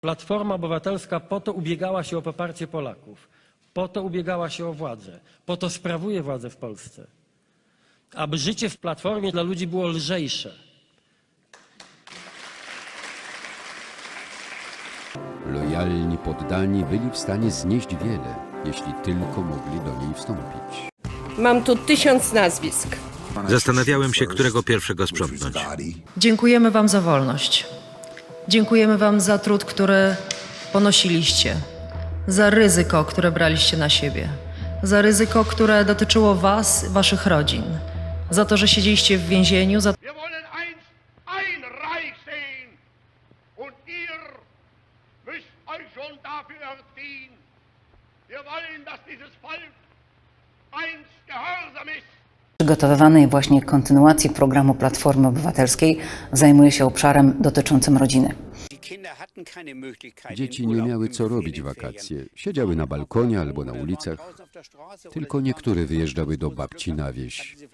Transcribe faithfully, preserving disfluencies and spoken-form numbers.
Platforma Obywatelska po to ubiegała się o poparcie Polaków, po to ubiegała się o władzę, po to sprawuje władzę w Polsce, aby życie w Platformie dla ludzi było lżejsze. Lojalni poddani byli w stanie znieść wiele, jeśli tylko mogli do niej wstąpić. Mam tu tysiąc nazwisk. Zastanawiałem się, którego pierwszego sprzątnąć. Dziękujemy wam za wolność. Dziękujemy wam za trud, który ponosiliście, za ryzyko, które braliście na siebie, za ryzyko, które dotyczyło was, waszych rodzin, za to, że siedzieliście w więzieniu, za Wir wollen einst ein Reich sehen und ihr müsst euch schon dafür erziehen. Wir wollen, dass dieses Volk einst gehorsam ist. Przygotowywanej właśnie kontynuacji programu Platformy Obywatelskiej zajmuje się obszarem dotyczącym rodziny. Dzieci nie miały co robić w wakacje. Siedziały na balkonie albo na ulicach. Tylko niektóre wyjeżdżały do babci na wieś.